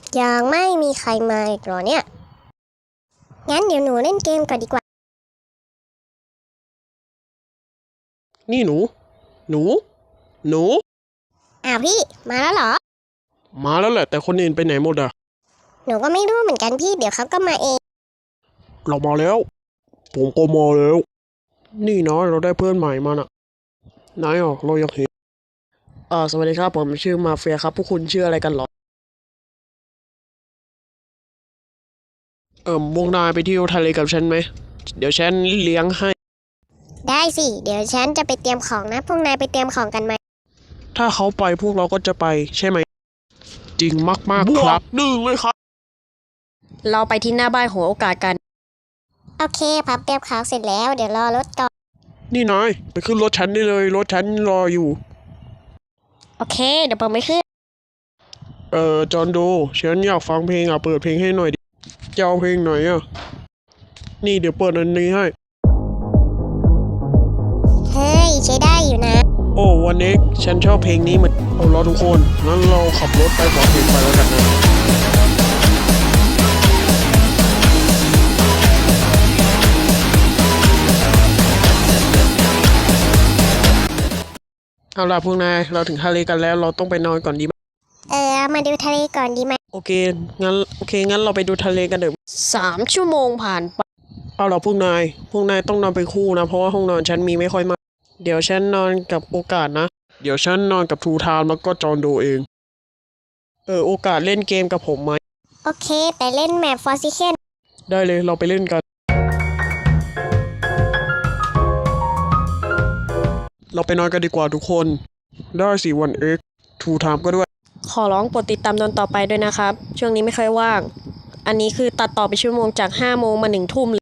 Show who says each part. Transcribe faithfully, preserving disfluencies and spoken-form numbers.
Speaker 1: ยังไม่มีใครมาอีกเหรอเนี่ยงั้นเดี๋ยวหนูเล่นเกมก่อนดีกว่า
Speaker 2: นี่หนู หนู หนู
Speaker 1: อ้าวพี่มาแล้วเหรอ
Speaker 2: มาแล้วแหละแต่คนอื่นไปไหนหมดอะ
Speaker 1: หนูก็ไม่รู้เหมือนกันพี่เดี๋ยวเขาก็มาเอง
Speaker 2: เรามาแล้ว ผมก็มาแล้ว นี่น้อยเราได้เพื่อนใหม่มาน่ะนายอ่ะเราอยากเห็นอ่าสวัสดีครับผมชื่อมาเฟียครับพวกคุณชื่ออะไรกันเหรอเอ่อวงนายไปเที่ยวทะเลกับฉันไหมเดี๋ยวฉันเลี้ยงให้
Speaker 1: ได้สิเดี๋ยวฉันจะไปเตรียมของนะพวกนายไปเตรียมของกันไหม
Speaker 2: ถ้าเขาไปพวกเราก็จะไปใช่ไหมจริงมากๆครับหนึ่งเลยครับ
Speaker 3: เราไปที่หน้าบ้านหัวโอกาสกัน
Speaker 1: โอเคพับเตรียมของเสร็จแล้วเดี๋ยวรอรถก่อน
Speaker 2: นี่นายไปขึ้นรถฉันได้เลยรถฉันรออยู่
Speaker 1: โอเคเดี๋ยวผมไปขึ้น
Speaker 2: เอ่อจอห์นโดฉันอยากฟังเพลงอ่ะเปิดเพลงให้หน่อยดิจะเอาเพลงไหนอ่ะนี่เดี๋ยวเปิดอันนี้ให้
Speaker 1: เฮ้ยใช้ได้อยู่นะ
Speaker 2: โอ้วันนี้ฉันชอบเพลงนี้เหมือนเอาล่ะทุกคนงั้นเราขับรถไปฟังเพลงไปแล้วกันนะเอาล่ะพวกนายเราถึงทะเลกันแล้วเราต้องไปนอนก่อนดีไหม
Speaker 1: เออมาดูทะเลก่อนดีไหม
Speaker 2: โอเคงั้นโอเคงั้นเราไปดูทะเลกันเถอะ
Speaker 3: สามชั่วโมงผ่านไป
Speaker 2: เอาล่ะพวกนายพวกนายต้องนอนเป็นคู่นะเพราะว่าห้องนอนฉันมีไม่ค่อยมากเดี๋ยวฉันนอนกับโอกาสนะเดี๋ยวฉันนอนกับทูทามแล้วก็จอห์นโดเองเออโอกาสเล่นเกมกับผมไหม
Speaker 1: โอเคแต่เล่นแมปฟอร์ซิเคน
Speaker 2: ได้เลยเราไปเล่นกันเราไปนอนกันดีกว่าทุกคนได้สิวันเอ็กทูไทม์ก็ด้วย
Speaker 3: ขอร้องโปรดติดตามตอนต่อไปด้วยนะครับช่วงนี้ไม่ค่อยว่างอันนี้คือตัดต่อไปชั่วโมงจากห้าโมงมาหนึ่งทุ่ม